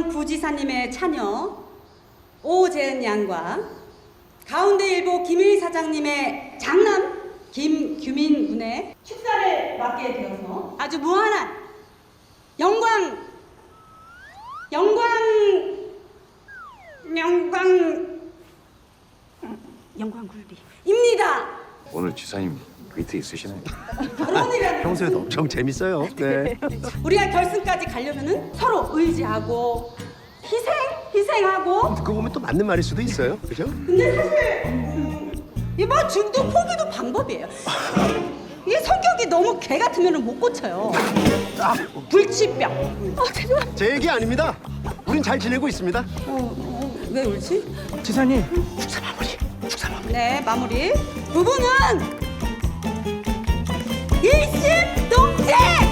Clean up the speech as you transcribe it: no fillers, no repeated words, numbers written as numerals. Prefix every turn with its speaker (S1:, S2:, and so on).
S1: 전 부지사님의 차녀 오재은 양과 가운데일보 김일 사장님의 장남 김규민 군의 축사를 맡게 되어서 아주 무한한 영광 굴비입니다.
S2: 오늘 지사님 위트 있으시네요.
S1: 결혼이라는
S3: 평소에도 엄청 재밌어요. 네.
S1: 우리가 결승까지 가려면은 서로 의지하고 희생하고.
S3: 듣고 보면 또 맞는 말일 수도 있어요. 그죠?
S1: 근데 사실 이뭐 중도 포기도 방법이에요. 이게 성격이 너무 개 같으면 못 고쳐요. 불치병.
S3: 제 얘기 아닙니다. 우린 잘 지내고 있습니다.
S1: 왜 울지?
S4: 지사님,
S3: 축사 마무리.
S1: 네, 마무리. 부부는 일심동체.